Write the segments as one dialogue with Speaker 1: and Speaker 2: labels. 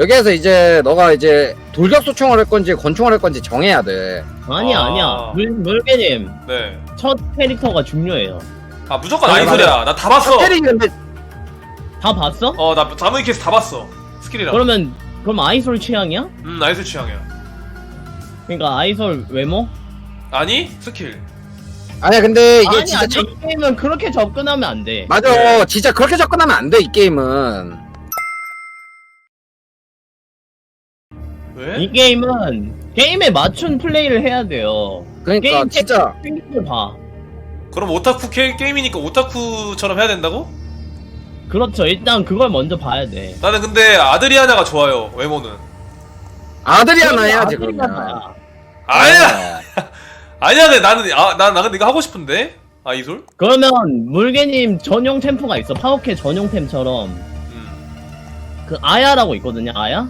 Speaker 1: 여기에서 이제 너가 이제 돌격소총을 할 건지 권총을 할 건지 정해야 돼.
Speaker 2: 아니야. 물개님.
Speaker 3: 네.
Speaker 2: 첫 캐릭터가 중요해요.
Speaker 3: 아 무조건
Speaker 1: 아니,
Speaker 3: 아이솔이야. 나 다 봤어.
Speaker 1: 스킬이 근데
Speaker 2: 다 봤어?
Speaker 3: 나 자무이 케이스 다 봤어. 스킬이랑.
Speaker 2: 그럼 아이솔 취향이야?
Speaker 3: 아이솔 취향이야.
Speaker 2: 그러니까 아이솔 외모?
Speaker 3: 아니 스킬.
Speaker 1: 아니야 근데 이게
Speaker 2: 아니,
Speaker 1: 진짜
Speaker 2: 이 게임은 그렇게 접근하면 안 돼.
Speaker 1: 맞아.
Speaker 3: 네.
Speaker 1: 진짜 그렇게 접근하면 안 돼 이 게임은.
Speaker 3: 왜?
Speaker 2: 이 게임은 게임에 맞춘 플레이를 해야 돼요.
Speaker 1: 그러니까
Speaker 2: 게임
Speaker 1: 진짜
Speaker 2: 을 봐.
Speaker 3: 그럼 오타쿠 게임이니까 오타쿠처럼 해야 된다고?
Speaker 2: 그렇죠. 일단 그걸 먼저 봐야 돼.
Speaker 3: 나는 근데 아드리아나가 좋아요. 외모는.
Speaker 1: 아드리아나 해야지
Speaker 2: 아드리아나야.
Speaker 1: 그러면.
Speaker 3: 아니야. 아니야. 근데 나 근데 이거 하고 싶은데. 아이솔?
Speaker 2: 그러면 물개님 전용 템포가 있어. 파워캐 전용 템처럼 그 아야라고 있거든요. 아야?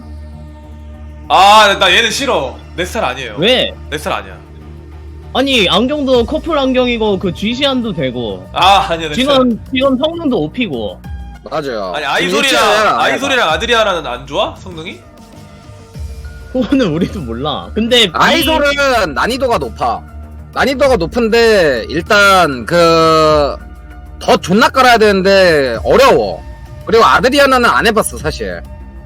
Speaker 3: 나 얘는 싫어. 내 스타일 아니에요.
Speaker 2: 왜?
Speaker 3: 내 스타일 아니야.
Speaker 2: 아니 안경도 커플 안경이고 그 G시안도 되고
Speaker 3: 아니야. 내 스타일.
Speaker 2: 지금 성능도 OP고.
Speaker 1: 맞아요.
Speaker 3: 아니
Speaker 1: 일치하잖아,
Speaker 3: 아이솔이랑 아드리아나는 안 좋아? 성능이?
Speaker 2: 그거는 우리도 몰라. 근데
Speaker 1: 아이솔은 난이도가 높아. 난이도가 높은데 일단 더 존나 깔아야 되는데 어려워. 그리고 아드리아나는 안 해봤어 사실.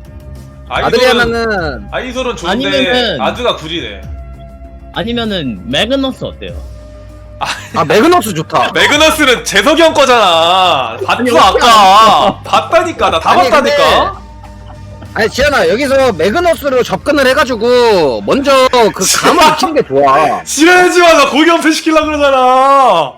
Speaker 1: 아드리아나는
Speaker 3: 아이솔은 좋은데
Speaker 2: 아니면은-
Speaker 3: 아드가 구리래.
Speaker 2: 아니면은 매그너스 어때요?
Speaker 1: 매그너스 좋다.
Speaker 3: 매그너스는 재석이 형 거잖아.
Speaker 2: 아니,
Speaker 3: 봤어 아까. 봤다니까. 나 다
Speaker 1: 아니,
Speaker 3: 봤다니까.
Speaker 1: 아니 지현아 여기서 매그너스로 접근을 해가지고 먼저 그 감을 익히는 게 좋아.
Speaker 3: 지랄하지 마. 나 고기 연패 시키려고 그러잖아.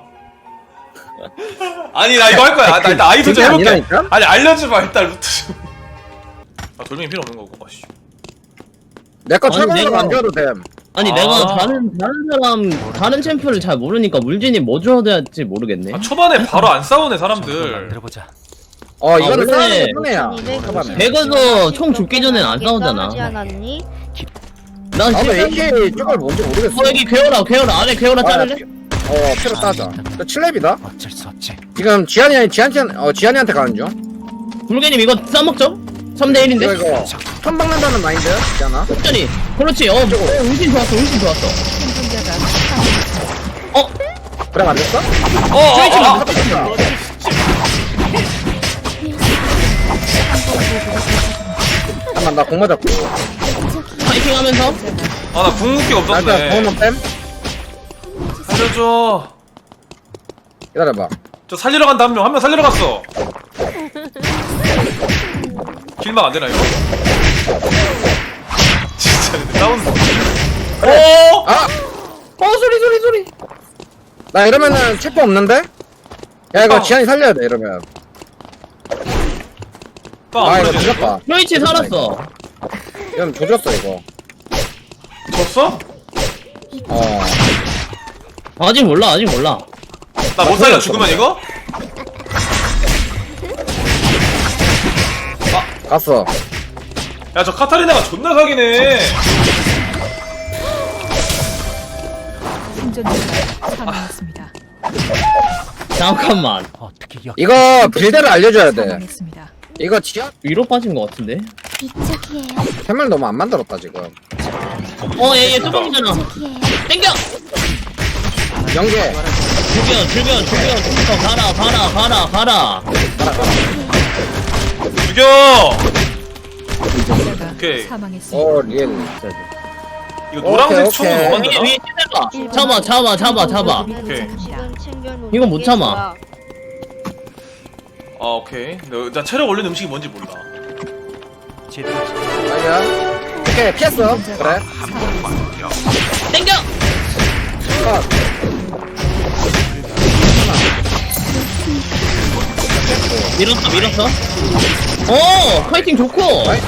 Speaker 3: 아니 나 이거 할 거야. 나 일단 아이솔 좀
Speaker 1: 그게
Speaker 3: 해볼게.
Speaker 1: 아니라니까?
Speaker 3: 아니 알려줘봐 일단 루트 좀. 돌멩이 필요 없는 거고. 씨.
Speaker 1: 내 거
Speaker 2: 아니,
Speaker 1: 철거해서
Speaker 2: 내가-
Speaker 1: 안 줘도 됨.
Speaker 2: 아니
Speaker 3: 아.
Speaker 2: 내가 다른 챔프를 잘 모르니까 물진이 뭐 줘야 될지 모르겠네.
Speaker 3: 초반에 바로 안 싸우네 사람들.
Speaker 4: 만들어보자.
Speaker 1: 이거는
Speaker 2: 원래
Speaker 1: 싸우는 게 편해야.
Speaker 5: 1250.
Speaker 1: 초반에.
Speaker 2: 배그도 총 죽기 전엔 안 싸우잖아.
Speaker 5: 싸우지 않았니?
Speaker 2: 난
Speaker 1: 나도
Speaker 2: 실제로-
Speaker 1: AK 쪽을 뭔지 모르겠어.
Speaker 2: 여기 괴어라 안에 괴어라 자를래?
Speaker 1: 필요 따자. 저 7렙이다.
Speaker 4: 어쩔 수 없지.
Speaker 1: 지금 지한이한테 가는 중.
Speaker 2: 물개님 이거 싸먹죠? 3대 1인데?
Speaker 1: 이거 선 박는다는 마인드 지한아.
Speaker 2: 천천히. 그렇지. 울진 좋았어.
Speaker 1: 그래 안 됐어? 잠깐만 나 공마 잡고.
Speaker 2: 파이팅 하면서.
Speaker 3: 나 궁극기가
Speaker 1: 일단
Speaker 3: 없었네.
Speaker 1: 공만 뺨.
Speaker 3: 살려줘.
Speaker 1: 기다려봐.
Speaker 3: 저 살리러 간다 한 명 살리러 갔어. 길막 안 되나 이거? 진짜 근데 다운.
Speaker 2: 소리.
Speaker 1: 나 이러면은 체포 없는데? 야 이거 지한이 살려야 돼 이러면.
Speaker 3: 빵안
Speaker 1: 이거
Speaker 3: 부러지네.
Speaker 1: 조졌다.
Speaker 2: 요이치 살았어.
Speaker 1: 이건 조졌어 이거.
Speaker 3: 졌어?
Speaker 2: 아직 몰라.
Speaker 3: 나 못 살려 죽으면 이거?
Speaker 1: 갔어.
Speaker 3: 야 저 카타리나가 존나 사기네.
Speaker 6: 생존자가 사망했습니다.
Speaker 2: 잠깐만.
Speaker 4: 어떻게
Speaker 1: 이거 빌드를 알려줘야 돼.
Speaker 6: 사망했습니다.
Speaker 1: 이거 지한
Speaker 2: 위로 빠진 것 같은데?
Speaker 5: 이쪽이에요.
Speaker 1: 템을 너무 안 만들었다 지금.
Speaker 2: 얘 뚜껑이잖아. 땡겨!
Speaker 1: 연계.
Speaker 2: 죽여. 가라.
Speaker 3: 죽여.
Speaker 6: 생존자가
Speaker 3: 오케이.
Speaker 6: 사망했습니다.
Speaker 1: 리엘.
Speaker 3: 이거 노란색
Speaker 1: 오케이,
Speaker 3: 총은
Speaker 1: 오케이.
Speaker 3: 뭐
Speaker 2: 위에
Speaker 3: 만드나?
Speaker 2: 찌들봐. 잡아.
Speaker 3: 오케이.
Speaker 5: 지금 챙겨놓은
Speaker 2: 이건 못
Speaker 5: 게
Speaker 2: 참아.
Speaker 5: 뭐야?
Speaker 3: 오케이. 나 체력 올리는 음식이 뭔지 몰라.
Speaker 4: 제대로
Speaker 1: 아니야. 오케이 피했어. 그래.
Speaker 2: 땡겨! 밀었어. 파이팅 좋고.
Speaker 1: 나이스.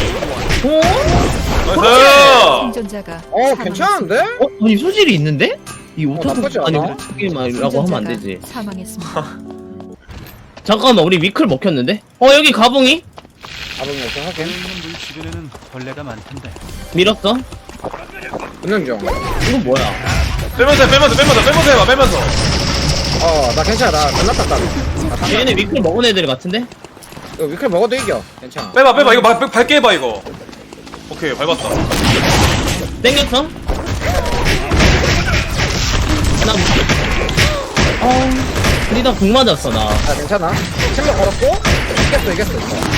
Speaker 3: 나이스.
Speaker 6: 생존자가
Speaker 1: 괜찮은데?
Speaker 2: 아니 소질이 있는데? 이 오타쿠
Speaker 1: 나쁘지
Speaker 2: 아니
Speaker 1: 않아.
Speaker 2: 게임이라고 하면 안 되지.
Speaker 6: 사망했습니다.
Speaker 2: 잠깐만 우리 위클 먹혔는데? 여기 가봉이?
Speaker 1: 가보면 좀 하긴.
Speaker 4: 물 주변에는 벌레가 많던데.
Speaker 2: 밀었어?
Speaker 1: 붙는 중.
Speaker 2: 이건 뭐야?
Speaker 3: 빼면서 해봐. 빼면서.
Speaker 1: 나 괜찮아. 나 끝났다.
Speaker 2: 얘네 위클 먹은 애들 같은데?
Speaker 1: 이거 위클 먹어도 이겨. 괜찮아.
Speaker 3: 빼봐. 이거 밝게 해봐 이거. 오케이 밟았다.
Speaker 2: 땡겼어? 나 우리 다 궁 맞았어 나.
Speaker 1: 아 괜찮아. 침묵 걸었고 이겼어.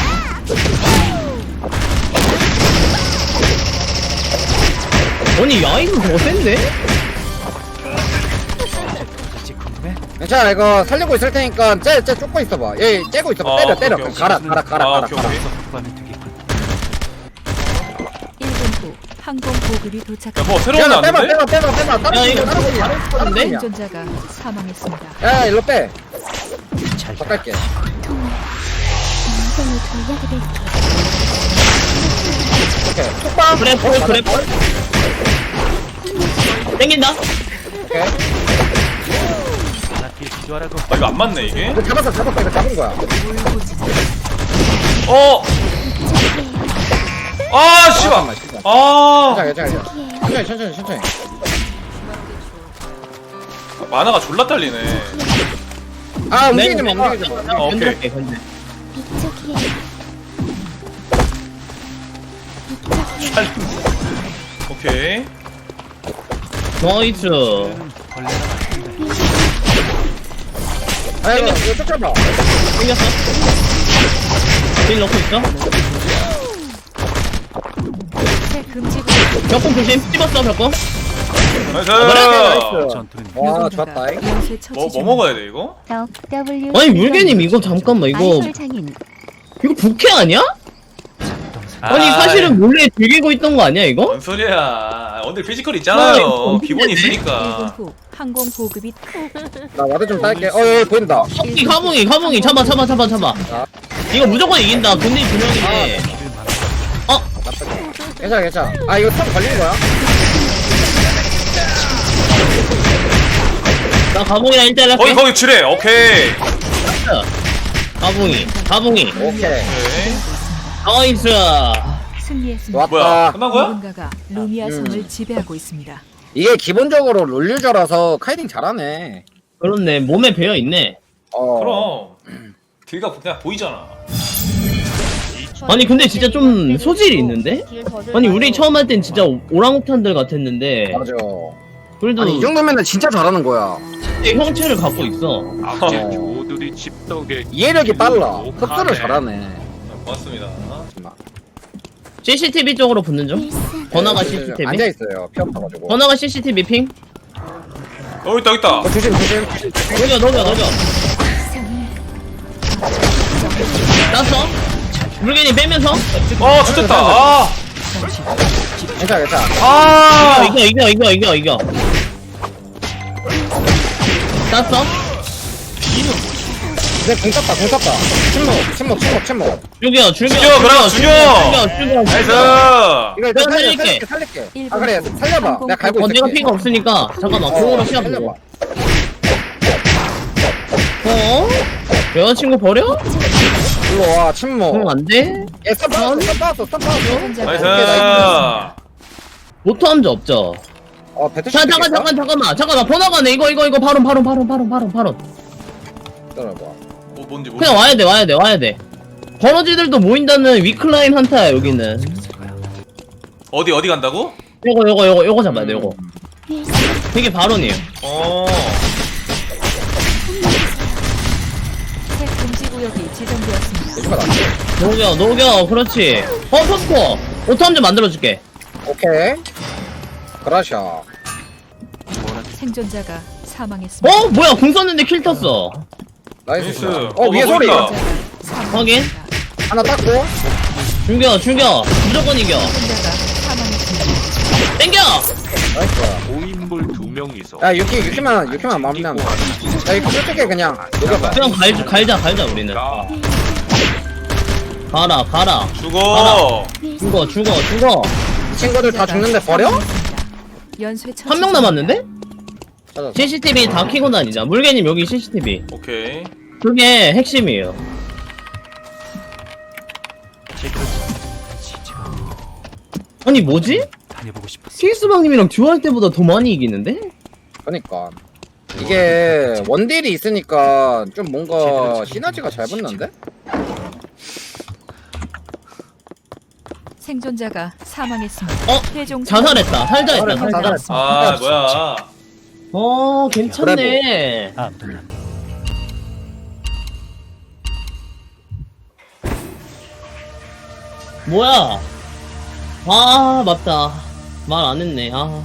Speaker 2: 아니 야이는 더 센데?
Speaker 4: 도대체 궁금해?
Speaker 1: 괜찮아. 이거 살리고 있을 테니까 쟤 쫓고 있어봐. 얘 째고 있어봐. 때려.
Speaker 3: 오케이, 오케이.
Speaker 1: 가라.
Speaker 3: 오케이, 오케이.
Speaker 4: 구하면 되겠군.
Speaker 6: 1분 후 항공 보급이
Speaker 3: 야,
Speaker 6: 도착합니다.
Speaker 3: 뭐 새로운 거
Speaker 1: 빼봐.
Speaker 3: 왔는데?
Speaker 1: 다른
Speaker 2: 야, 이거
Speaker 1: 다른
Speaker 2: 다른데?
Speaker 1: 분이야.
Speaker 6: 생존자가 사망했습니다.
Speaker 1: 야 일로 빼.
Speaker 4: 잘
Speaker 1: 더 깔게.
Speaker 5: 인생을 돌려드릴게요.
Speaker 1: 오케이. 톡방.
Speaker 2: 그래 땡긴다.
Speaker 1: 오케이.
Speaker 4: 하나 뒤에 기도하라고.
Speaker 3: 아 이거 안 맞네 이게.
Speaker 1: 이거 잡았어. 이거 잡은 거야.
Speaker 3: 어. 아 씨발.
Speaker 1: 잠깐만, 씨발.
Speaker 3: 아
Speaker 1: 괜찮아. 천천히.
Speaker 3: 만화가 졸라 딸리네.
Speaker 1: 아 움직이지 마.
Speaker 3: 오케이.
Speaker 2: 건들게 건들.
Speaker 5: 이쪽이에요.
Speaker 3: 오케이.
Speaker 2: 나이스.
Speaker 4: 벌레가 많던데.
Speaker 1: 아이고 이거 쫓아봐.
Speaker 2: 땡겼어. 딜 넣고 있어.
Speaker 6: 새 금지 구역
Speaker 2: 벽공 조심. 찝었어 벽공.
Speaker 3: 나이스.
Speaker 4: 전투는
Speaker 1: 와 좋았다.
Speaker 6: 연쇄 처치
Speaker 3: 뭐
Speaker 6: 중.
Speaker 3: 먹어야 돼 이거?
Speaker 5: W.
Speaker 2: 아니 물개님 이거 잠깐만 이거
Speaker 5: 장인.
Speaker 2: 이거 부캐 아니야? 아니 사실은 몰래 즐기고 있던 거 아니야 이거?
Speaker 3: 뭔 소리야? 언들 피지컬
Speaker 2: 아,
Speaker 3: 있잖아요.
Speaker 2: 이거
Speaker 3: 기본이
Speaker 2: 없는데?
Speaker 6: 1분
Speaker 3: 있으니까.
Speaker 6: 후 항공 보급이
Speaker 1: 나 와드 좀 딸게. 여기 보인다.
Speaker 2: 이 가봉이 잡아. 이거 무조건 이긴다. 군대 두 명인데.
Speaker 1: 괜찮아. 아 이거 탑 걸린 거야?
Speaker 2: 나 가봉이랑 1대1 할게.
Speaker 3: 거기 칠해. 오케이.
Speaker 2: 가봉이.
Speaker 1: 오케이.
Speaker 3: 오케이.
Speaker 2: 나이스.
Speaker 6: 승리했습니다.
Speaker 3: 뭐야?
Speaker 1: 좋았다.
Speaker 3: 끝난 거야?
Speaker 6: 누군가가 루미아 성을 지배하고 있습니다.
Speaker 1: 이게 기본적으로 롤 유저라서 카이딩 잘하네.
Speaker 2: 그렇네. 몸에 배어 있네.
Speaker 3: 그럼 길가 그냥 보이잖아.
Speaker 2: 아니 근데 진짜 좀 소질이 있는데? 아니 우리 처음 할 땐 진짜 오랑우탄들 같았는데
Speaker 1: 맞아.
Speaker 2: 그래도
Speaker 1: 아니 이 정도면은 진짜 잘하는 거야.
Speaker 2: 형체를 갖고 있어.
Speaker 7: 악질
Speaker 1: 어.
Speaker 7: 조들이 집덕에
Speaker 1: 이해력이 빨라. 흡수를 잘하네.
Speaker 3: 고맙습니다.
Speaker 2: CCTV 쪽으로 붙는 중. 번화가 CCTV.
Speaker 1: 앉아 있어요. 피 없어가지고.
Speaker 2: 번화가 CCTV 핑.
Speaker 3: 있다.
Speaker 1: 조심.
Speaker 2: 녹여. 땄어. 물개님 빼면서.
Speaker 3: 좋겠다. 아.
Speaker 1: 괜찮아.
Speaker 3: 아.
Speaker 2: 이겨. 땄어.
Speaker 1: 이제 공 쐈다. 침묵.
Speaker 2: 죽여.
Speaker 3: 나이스.
Speaker 1: 이거 일단
Speaker 2: 살릴게.
Speaker 1: 살릴게.
Speaker 6: 일본
Speaker 1: 아 그래 살려봐. 내가 갈고 있을게.
Speaker 2: 내가 피가 없으니까 잠깐만 공으로 시합 보고. 여자친구 버려?
Speaker 1: 일로 와 침묵.
Speaker 2: 그럼 안 돼?
Speaker 1: 얘 스톱 받았어.
Speaker 6: 생존자가
Speaker 3: 나이스.
Speaker 2: 모토 함자 없죠?
Speaker 1: 배트
Speaker 2: 잠깐만 번화가네 이거 바로
Speaker 1: 기다려봐.
Speaker 3: 뭔지
Speaker 2: 그냥 와야 돼 버러지들도 모인다는 위클라인 한타야 여기는.
Speaker 3: 어디 간다고?
Speaker 2: 요거 잡아야 돼 요거. 되게 발언이에요.
Speaker 6: 새 금지 구역이 지정되었습니다.
Speaker 1: 이거 낫지.
Speaker 2: 녹여 그렇지. 포스코 오토 함자 만들어줄게.
Speaker 1: 오케이. 그라샤.
Speaker 6: 생존자가 사망했습니다.
Speaker 2: 뭐야 궁 썼는데 킬 떴어.
Speaker 1: 나이스.
Speaker 3: 나이스.
Speaker 1: 위에 소리.
Speaker 3: 보인다.
Speaker 6: 생존자가
Speaker 2: 확인.
Speaker 6: 사망했습니다.
Speaker 1: 하나 땄고.
Speaker 2: 죽여 무조건 이겨.
Speaker 6: 생존자가 사망했습니다.
Speaker 2: 땡겨.
Speaker 1: 나이스.
Speaker 7: 5인물 2명이서
Speaker 1: 야 유키만 마음에 안 나. 야 이거 솔직히 그냥 녹여봐.
Speaker 2: 그냥 갈자 우리는. 가라.
Speaker 3: 죽어.
Speaker 2: 죽어.
Speaker 1: 이 친구들 다 죽는데 버려?
Speaker 6: 연쇄 처치
Speaker 2: 한 명 남았는데?
Speaker 1: 찾았어.
Speaker 2: CCTV 다 켜고 다니자. 물개님 여기 CCTV.
Speaker 3: 오케이.
Speaker 2: 그게 핵심이에요.
Speaker 4: 제대로 진짜
Speaker 2: 아니 뭐지?
Speaker 4: 다녀보고 싶었어.
Speaker 2: 스위스방님이랑 듀오할 때보다 더 많이 이기는데?
Speaker 1: 그러니까 이게 원딜이 있으니까 좀 뭔가 시너지가 잘 붙는데?
Speaker 6: 생존자가 사망했습니다.
Speaker 2: 어?
Speaker 6: 최종
Speaker 2: 자살했다. 살자 했다.
Speaker 1: 자살했다.
Speaker 2: 살자.
Speaker 1: 자살했어.
Speaker 3: 아 뭐야.
Speaker 2: 어 괜찮네.
Speaker 4: 다음 분량.
Speaker 2: 뭐야? 아 맞다. 말 안 했네. 아.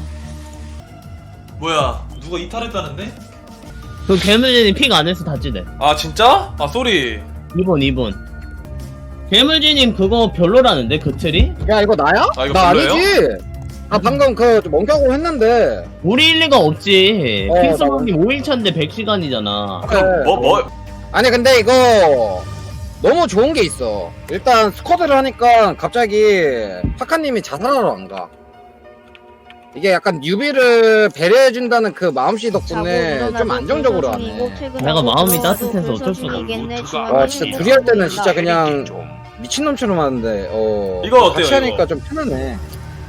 Speaker 3: 뭐야 누가 이탈했다는데?
Speaker 2: 그 괴물진이 픽 안 해서 다치대.
Speaker 3: 아 진짜? 아 쏘리.
Speaker 2: 2번. 괴물진님 그거 별로라는데 그 틀이?
Speaker 1: 야 이거 나야?
Speaker 3: 아, 이거
Speaker 1: 나
Speaker 3: 별로예요?
Speaker 1: 아니지. 아 방금 그 멍청하고 했는데.
Speaker 2: 우리 일리가 없지.
Speaker 1: 어,
Speaker 2: 픽스lov님 5일차인데 100시간이잖아.
Speaker 1: 그래.
Speaker 3: 뭐?
Speaker 1: 아니 근데 이거 너무 좋은 게 있어. 일단 스쿼드를 하니까 갑자기 파카님이 자살하러 안 가. 이게 약간 뉴비를 배려해준다는 그 마음씨 덕분에 좀 안정적으로 하네.
Speaker 2: 내가 마음이 따뜻해서 어쩔 수가
Speaker 1: 와 진짜 둘이 할 때는 진짜 그냥 미친놈처럼 하는데
Speaker 3: 이거 어때요,
Speaker 1: 같이 하니까
Speaker 3: 이거?
Speaker 1: 좀 편하네.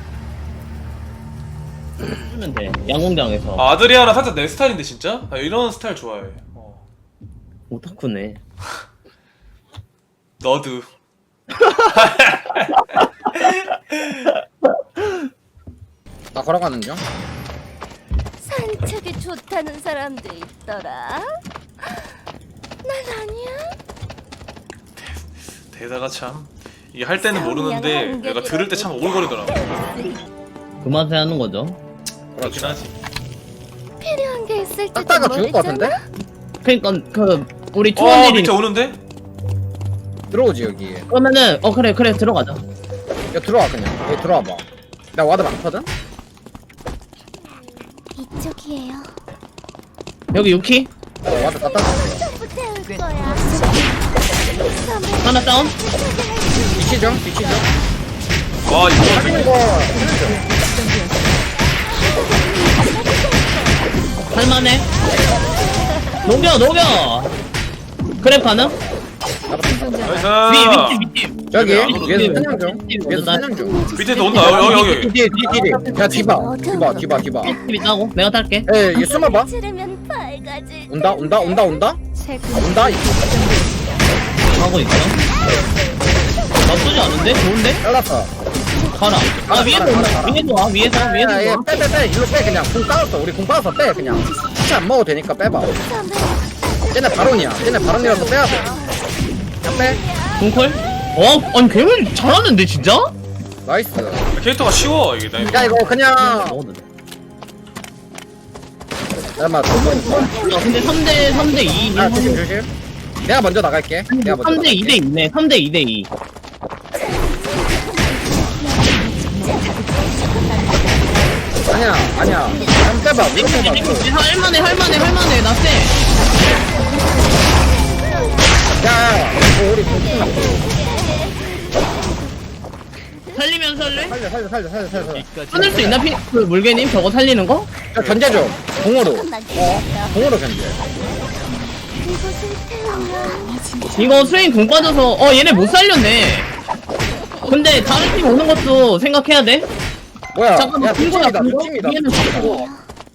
Speaker 2: 쓰면 돼. 양궁장에서.
Speaker 3: 아, 아드리아나 살짝 내 스타일인데 진짜? 아, 이런 스타일 좋아해.
Speaker 2: 오타쿠네.
Speaker 3: 너도.
Speaker 1: 나 걸어가는 중.
Speaker 5: 산책이 좋다는 사람도 있더라. 난 아니야.
Speaker 3: 대사가 참 이게 할 때는 모르는데 내가 들을 때 참 오글거리더라고.
Speaker 2: 그 맛에 하는 거죠.
Speaker 3: 그렇긴 하지.
Speaker 5: 필요한 게 있을 때
Speaker 1: 딱다가 죽을 것 같은데?
Speaker 2: 그니까 그 우리
Speaker 3: 밑에
Speaker 2: 투원일이
Speaker 3: 오는데?
Speaker 1: 들어오지 여기.
Speaker 2: 그러면은 그래 들어가자.
Speaker 1: 야 들어와 그냥. 여기 들어와봐. 나 와드 많거든?
Speaker 5: 이쪽이에요.
Speaker 2: 여기 유키
Speaker 1: 와드 갖다 놨어.
Speaker 5: 전부 태울 거야.
Speaker 2: 하나 다운.
Speaker 1: 뒤치 좀. 뒤치 좀.
Speaker 3: 와 이거
Speaker 1: 이거
Speaker 2: 할만해. 녹여. 그래 가능?
Speaker 3: 나이스.
Speaker 2: 밑에.
Speaker 1: 저기
Speaker 3: 여기
Speaker 1: 위에서 사냥 중.
Speaker 2: 밑에
Speaker 1: 위에서 사냥 중.
Speaker 3: 밑에서 온다. 여기.
Speaker 1: 뒤에. 야 뒤봐.
Speaker 2: 밑에 따고 내가 탈게.
Speaker 1: 에 얘 숨어봐.
Speaker 5: 치르면 밝아질.
Speaker 1: 온다. 온다.
Speaker 2: 가고 있어. 나쁘지 않은데? 좋은데?
Speaker 1: 잘랐어.
Speaker 2: 가라. 아 위에서 온다. 위에서 와. 위에서 와.
Speaker 1: 빼. 일로 빼 그냥. 공 따졌어. 우리 공 따졌어. 빼 그냥. 혹시 안 먹어도 되니까 빼봐. 쟤네 바론이야. 쟤네 바론이라서 빼야 돼. 그냥 빼.
Speaker 2: 동콜? 아니 괴물 잘하는데 진짜?
Speaker 1: 나이스.
Speaker 3: 캐릭터가 쉬워 이게.
Speaker 1: 야 이거 그냥
Speaker 2: 먹어도 돼.
Speaker 1: 잠깐만.
Speaker 2: 근데 3대 2.
Speaker 1: 아 조심. 내가 먼저 나갈게.
Speaker 2: 3대 2대 2네. 3대 2대 2.
Speaker 1: 아니야. 한번 빼봐. 위로 빼봐.
Speaker 2: 할만해. 나 쎄.
Speaker 1: 야, 우리 공
Speaker 2: 살리면 살래?
Speaker 1: 살려.
Speaker 2: 끊을 수 있나? 그 물개님 저거 살리는 거?
Speaker 1: 야, 견제 좀. 공으로. 공으로 견제.
Speaker 5: 이곳을 태우면
Speaker 2: 이거 스웨인 공 빠져서 얘네 못 살렸네. 근데 다른 팀 오는 것도 생각해야 돼.
Speaker 1: 뭐야?
Speaker 2: 잠깐만,
Speaker 1: 야,
Speaker 2: 빈거야,
Speaker 1: 두
Speaker 2: 빈거?
Speaker 1: 팀이다.
Speaker 2: 얘는 죽고.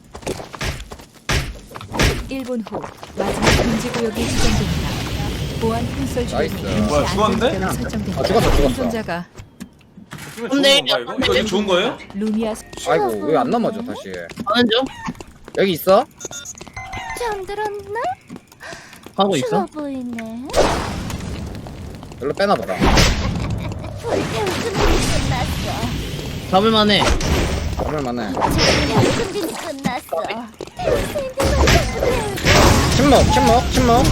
Speaker 6: 1분 후 마지막 금지 구역이 지정됩니다. 보안 콘솔
Speaker 1: 나이스.
Speaker 6: 주변에
Speaker 3: 뭐야, 죽었는데?
Speaker 6: 설정됩니다.
Speaker 1: 아, 죽었어.
Speaker 6: 생존자가
Speaker 3: 좋은 건가 이거? 이거 좋은 거예요?
Speaker 6: 루미아
Speaker 1: 아이고, 왜 안 넘어져, 다시.
Speaker 2: 하는 중?
Speaker 1: 여기 있어?
Speaker 5: 잠들었나?
Speaker 2: 하고
Speaker 5: 추워
Speaker 2: 있어?
Speaker 5: 보이네.
Speaker 1: 여기로 빼놔봐라.
Speaker 5: 불태울 준비 끝났어.
Speaker 2: 잡을만해.
Speaker 1: 얼마만해.
Speaker 5: 불태울 준비 끝났어.
Speaker 1: 침묵.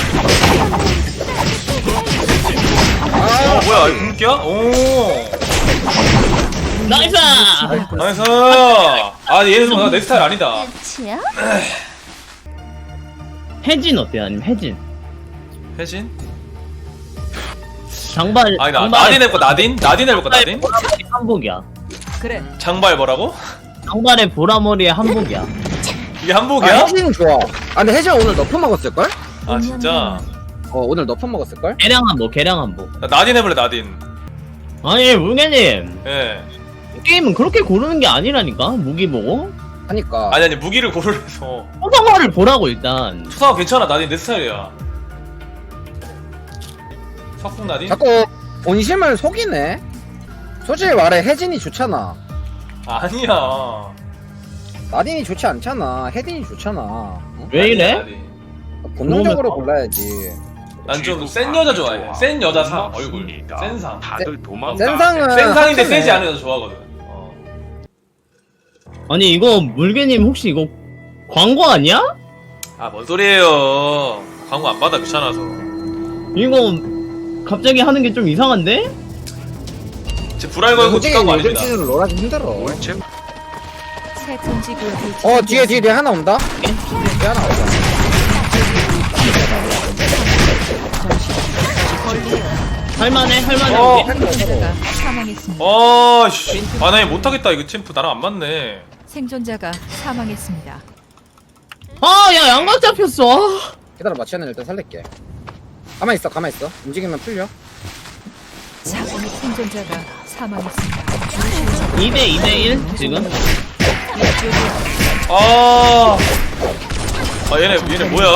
Speaker 1: 아,
Speaker 3: 뭐야 이거 굶기야? 오.
Speaker 2: 나이스!
Speaker 3: 나이스. 아 얘는 내 스타일 아니다.
Speaker 5: 끝이야?
Speaker 2: 혜진 어때? 아니면 혜진?
Speaker 3: 혜진?
Speaker 2: 장발.
Speaker 3: 아니 나딘 해볼까 나딘? 나딘 해볼까 나딘?
Speaker 2: 한복이야.
Speaker 6: 그래
Speaker 3: 장발 뭐라고?
Speaker 2: 장발에 보라머리에 한복이야.
Speaker 3: 이게
Speaker 1: 아,
Speaker 3: 한복이야?
Speaker 1: 혜진 좋아. 아, 근데 혜진 오늘 너프 먹었을걸?
Speaker 3: 아 진짜?
Speaker 1: 오늘 너프 먹었을걸?
Speaker 2: 개량 한복.
Speaker 3: 나 나딘 해볼래 나딘.
Speaker 2: 아니 물개님
Speaker 3: 예.
Speaker 2: 게임은 그렇게 고르는 게 아니라니까. 무기 보고
Speaker 1: 하니까.
Speaker 3: 아니 무기를 고르면서
Speaker 2: 초상화를 보라고 일단.
Speaker 3: 투사가 괜찮아 나딘 내 스타일이야. 석궁 나딘?
Speaker 1: 자꾸 본심을 속이네. 솔직히 말해 혜진이 좋잖아.
Speaker 3: 아니야.
Speaker 1: 나딘이 좋지 않잖아. 혜진이 좋잖아. 응?
Speaker 2: 왜 이래?
Speaker 3: 아니.
Speaker 1: 본능적으로
Speaker 2: 그러면-
Speaker 1: 골라야지.
Speaker 3: 난 좀 센 여자 좋아해. 센 여자 상 얼굴. 센 상.
Speaker 7: 다들 도망가.
Speaker 1: 센 상은
Speaker 3: 센 상인데
Speaker 1: 하찮네.
Speaker 3: 세지 않은 여자 좋아하거든.
Speaker 2: 아니 이거 물개님 혹시 이거 광고 아니야?
Speaker 3: 아, 뭔 소리예요. 광고 안 받아 귀찮아서.
Speaker 2: 이거 갑자기 하는 게 좀 이상한데?
Speaker 3: 제 불알 걸고
Speaker 1: 솔직히
Speaker 3: 찍은 거
Speaker 1: 요즘
Speaker 3: 아닙니다.
Speaker 1: 시즌 롤하기 힘들어.
Speaker 7: 올체
Speaker 6: 새 금지 구역이
Speaker 1: 뒤에 하나 온다. 뒤에 하나 온다.
Speaker 2: 할만해
Speaker 3: 어.
Speaker 2: 우리.
Speaker 6: 생존자가 사망했습니다.
Speaker 3: 씨. 아, 나 못하겠다. 이거 챔프 나랑 안 맞네.
Speaker 6: 생존자가 사망했습니다.
Speaker 2: 아야 양각 잡혔어. 아.
Speaker 1: 기다려봐. 치아는 일단 살릴게. 가만 있어. 움직이면 풀려.
Speaker 6: 자국 생존자가 사망했습니다.
Speaker 2: 2대1 지금.
Speaker 3: 얘네 뭐야?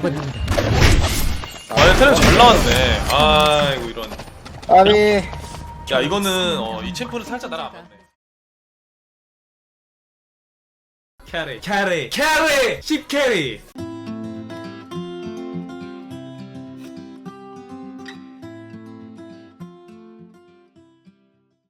Speaker 3: 얘네 테레 잘 나왔네. 아이고 이런.
Speaker 1: 아비.
Speaker 3: 야 이거는 이 챔프는 살짝 나랑 안 맞네. 캐리 10캐리